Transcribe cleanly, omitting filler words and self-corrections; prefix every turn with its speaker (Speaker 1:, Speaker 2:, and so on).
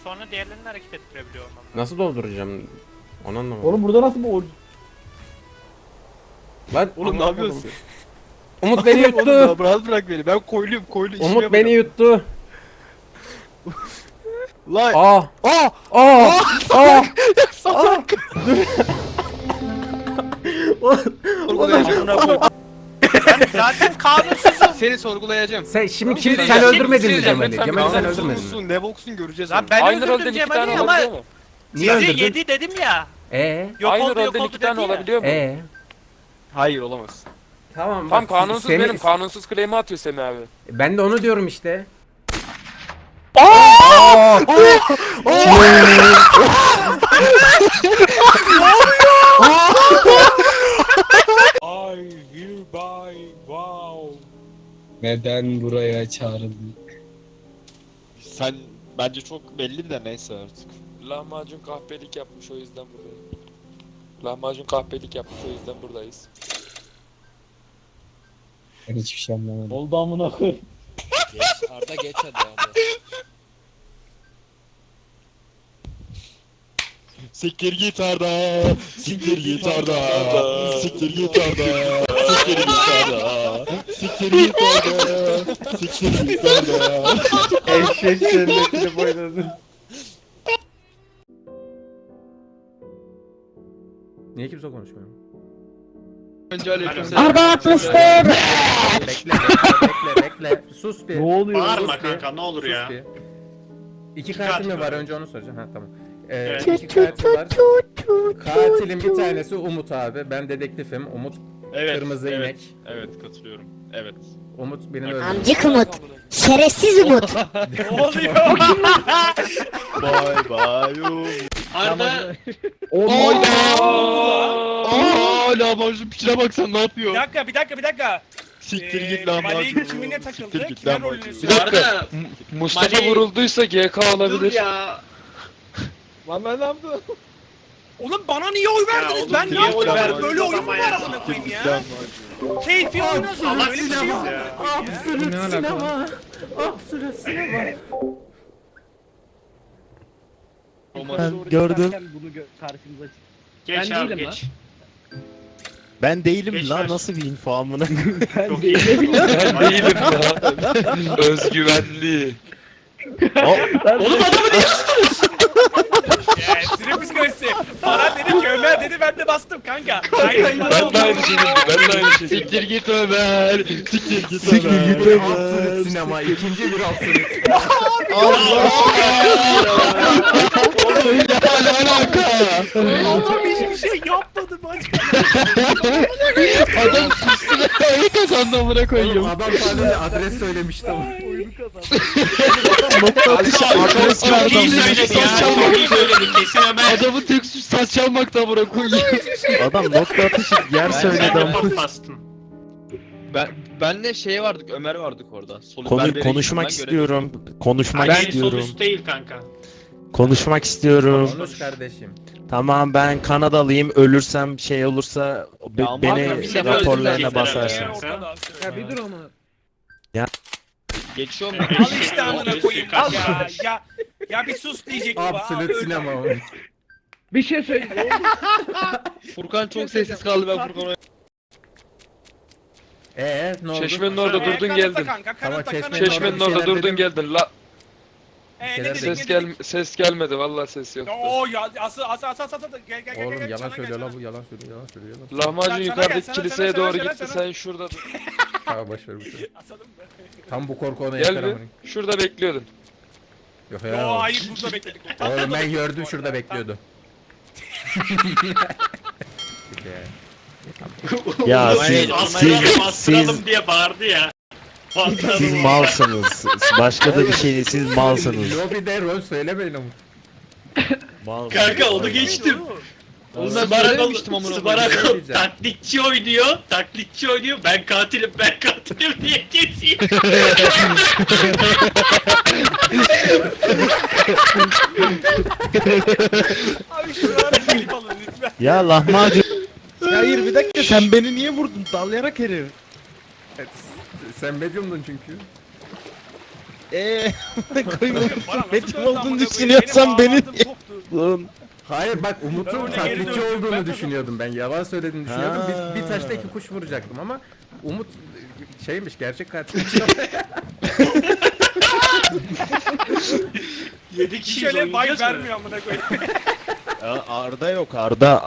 Speaker 1: sonra diğerlerini hareket ettirebiliyor olmam.
Speaker 2: Nasıl dolduracağım? Onu anlamadım.
Speaker 3: Oğlum burada nasıl bu
Speaker 2: Lan
Speaker 4: Oğlum ne yapıyorsun?
Speaker 2: Umut beni
Speaker 4: Oğlum
Speaker 2: yuttu.
Speaker 4: ya, rahat bırak beni. Ben koyluyum işimi
Speaker 2: Umut beni yuttu.
Speaker 4: Lan.
Speaker 2: Aa! Aa! Aa!
Speaker 4: Salak. Sorgulayacağım.
Speaker 1: Ben zaten kanunsuzum.
Speaker 4: Seni sorgulayacağım.
Speaker 2: Sen şimdi
Speaker 4: Oğlum,
Speaker 2: kim
Speaker 4: şey-
Speaker 2: sen
Speaker 4: şey-
Speaker 2: öldürmedin mi
Speaker 4: şey-
Speaker 2: Cemal'i?
Speaker 4: lütfen
Speaker 2: Cemal'i sen
Speaker 4: kanunsuz
Speaker 2: öldürmedin mi?
Speaker 4: musun, ne boksun göreceğiz.
Speaker 1: Lan
Speaker 4: onu.
Speaker 1: ben
Speaker 5: Aynı
Speaker 1: öldürdüm
Speaker 5: rolden iki
Speaker 1: Cemal'i
Speaker 5: tane
Speaker 1: ama
Speaker 5: olabiliyor mu?
Speaker 2: Niye
Speaker 1: sizi
Speaker 2: öldürdün?
Speaker 1: yedi dedim ya. Yok
Speaker 5: Aynı
Speaker 1: oldu yok
Speaker 5: rolden
Speaker 1: oldu
Speaker 5: iki tane
Speaker 1: dedi ya.
Speaker 5: olabiliyor mu?
Speaker 4: Hayır olamaz.
Speaker 2: Tamam
Speaker 5: Tam
Speaker 2: bak,
Speaker 5: kanunsuz
Speaker 2: Semih-
Speaker 5: benim. Kanunsuz claim'i atıyor Semih abi.
Speaker 2: Ben de onu diyorum işte. Aa!
Speaker 6: I hereby vow.
Speaker 7: Neden buraya çağrıldın?
Speaker 6: Sen bence çok belli de neyse artık.
Speaker 5: Lahmacun kahpelik yapmış o yüzden buradayım. Lahmacun kahpelik yapmış o yüzden buradayız.
Speaker 7: Ben hiçbir şey anlamadım.
Speaker 3: Oldu amına koyayım.
Speaker 6: Geç Arda geç hadi abi. Siktir git Arda. Siktir git Arda. Siktir git Arda. Siktir git Arda. Siktir git Arda. Siktir git Arda.
Speaker 2: Eşek cennetini boyladın. Niye kimse konuşmuyor?
Speaker 4: Önce aleykümselam.
Speaker 2: Arda atmıştır. Bekle. Sus bir.
Speaker 3: Ne oluyor?
Speaker 1: Bağırma
Speaker 2: Sus bir.
Speaker 1: kanka ne olur
Speaker 2: Sus
Speaker 1: ya.
Speaker 2: bir. İki
Speaker 1: katil
Speaker 2: katil mi var?
Speaker 1: var.
Speaker 2: Önce onu soracağım. Ha tamam.
Speaker 1: Evet.
Speaker 2: İki katil var. Katilin bir tanesi Umut abi. Ben dedektifim. Umut kırmızı inek.
Speaker 6: Evet katılıyorum. Evet.
Speaker 2: Umut benim öldürdü.
Speaker 8: Amcık Umut. Şerefsiz Umut.
Speaker 1: Ne oluyor?
Speaker 6: Bye bye.
Speaker 1: Arda
Speaker 4: Aaa lahmacun piçine bak sen ne yapıyor?
Speaker 1: bir dakika.
Speaker 6: Siktir git lan.
Speaker 1: Malik kimine takıldı?
Speaker 6: Siktir git
Speaker 1: Kime
Speaker 6: lan.
Speaker 1: rolünü
Speaker 6: Bir
Speaker 1: söyledi?
Speaker 5: dakika. Mustafa
Speaker 1: Mali-
Speaker 5: vurulduysa GK olabilir.
Speaker 4: Lan ben ne yaptım?
Speaker 1: Oğlum bana niye oy verdiniz?
Speaker 6: oğlum,
Speaker 1: Ben
Speaker 6: niye
Speaker 1: niye
Speaker 6: oy
Speaker 1: oy
Speaker 6: verdin?
Speaker 1: verdim? Böyle oyun mu var amına koyayım ya? Keyfi oynuyorsun. Böyle bir şey yok.
Speaker 2: Absolut sinema. Absolut sinema.
Speaker 3: Gördüm. Bunu karşımıza çık.
Speaker 1: Geç
Speaker 3: Ben
Speaker 1: abi
Speaker 3: değilim
Speaker 1: geç.
Speaker 6: Ben değilim
Speaker 1: Geç
Speaker 6: lan
Speaker 1: ver.
Speaker 6: nasıl bir info amına.
Speaker 3: Ben değilim.
Speaker 5: Ben değilim ya. Özgüvenli.
Speaker 1: Oğlum adamı niye tuttunuz? Ya sinir psikolojisi. Baran dedi ki Ömer dedi ben de bastım kanka. Aynen
Speaker 5: Ben de aynı şeyi Ben de aynı şeyi
Speaker 4: Siktir git Ömer.
Speaker 6: Siktir git
Speaker 2: Bir absolut sinema. İkinci bir absolut.
Speaker 4: Oğlum ya ne alaka?
Speaker 1: Adam hiçbir şey yapmadı bacım.
Speaker 4: Adam üstüne öyle kazandı amına
Speaker 2: Oğlum
Speaker 4: koyayım.
Speaker 2: adam sadece adres söylemişti ama.
Speaker 3: Oyunu kazandı.
Speaker 4: Nokta atışı adres verdi.
Speaker 1: İyi söyledi ya. İyi söyledi kesin Ömer.
Speaker 4: Adamın tek suç saç çalmakta amına koyayım.
Speaker 6: Adam nokta atışı yer söyledi ama.
Speaker 1: Bastın.
Speaker 4: Benle şey vardık, Ömer vardık orada.
Speaker 6: Konuşmak istiyorum. Konuşmak
Speaker 1: Ben sol
Speaker 6: istiyorum.
Speaker 1: üst değil kanka.
Speaker 6: Konuşmak istiyorum.
Speaker 2: Konuş kardeşim.
Speaker 6: Tamam ben Kanadalıyım. Ölürsem şey olursa
Speaker 4: Ya ama
Speaker 6: beni
Speaker 4: kanka, bir şey
Speaker 6: raporlarına
Speaker 1: öldürecek
Speaker 6: basarsın.
Speaker 1: herhalde
Speaker 3: Ya bir dur ama.
Speaker 4: Geçiyor mu?
Speaker 1: Al işte amına koyayım ya bir sus diyecek bu.
Speaker 2: Absolut sinema.
Speaker 3: Bir şey söyle.
Speaker 4: Furkan çok sessiz kaldı ben Furkan'a.
Speaker 2: Ne oldu?
Speaker 5: Çeşmenin orada durdun geldin.
Speaker 2: Ama
Speaker 5: Çeşmenin orada durdun geldin. La
Speaker 2: Şeyler
Speaker 5: ses gelmedi vallahi ses yok.
Speaker 1: Oo ya asıl gel
Speaker 2: Oğlum yalan
Speaker 1: Çana
Speaker 2: söylüyor
Speaker 1: gel,
Speaker 2: la bu yalan söylüyor yalan söylüyor.
Speaker 5: Lahmacun
Speaker 1: Sana
Speaker 5: yukarıdaki
Speaker 1: gel,
Speaker 5: kiliseye
Speaker 1: sana,
Speaker 5: doğru
Speaker 1: sana,
Speaker 5: gitti
Speaker 1: sana.
Speaker 5: sen şurada dur.
Speaker 2: Tamam boş ver bu şey.
Speaker 1: Asalım mı?
Speaker 2: Tam bu korku ona yeter
Speaker 5: Gel
Speaker 2: ama.
Speaker 5: bir şurada bekliyordun.
Speaker 2: Yok
Speaker 1: Yo
Speaker 2: ya.
Speaker 1: hayır burada bekledik.
Speaker 2: Oğlum ben gördüm şurada bekliyordu.
Speaker 6: Ya
Speaker 1: Bastıralım diye bağırdı ya.
Speaker 6: siz malsınız. Başka da bir şey değil. Siz malsınız.
Speaker 2: Lobide rol söylemeyin ama.
Speaker 6: Malsınız.
Speaker 1: Kanka onu geçtim.
Speaker 4: Oğlum ben söylememiştim amına koyayım.
Speaker 2: Diyeceğim.
Speaker 1: taklitçi oynuyor. Ben katilim diye kesiyor. Abi şuralara klip alın lütfen.
Speaker 6: Ya lahmacun.
Speaker 4: Ya hayır bir dakika sen beni niye vurdun? Dallayarak herif.
Speaker 2: Sen medyumdun çünkü.
Speaker 6: Metin olduğunu düşünüyorsan beni
Speaker 2: Hayır bak Umut'un
Speaker 1: Ben oraya geri
Speaker 2: taklitçi
Speaker 1: döndüm,
Speaker 2: olduğunu
Speaker 1: ben
Speaker 2: düşünüyordum ben. Yalan söylediğini düşünüyordum.
Speaker 6: Ha.
Speaker 2: Bir taşla 2 kuş vuracaktım ama Umut şeymiş, gerçek katil.
Speaker 1: Hiç öyle vibe vermiyor amına koyayım.
Speaker 6: Arda yok Arda.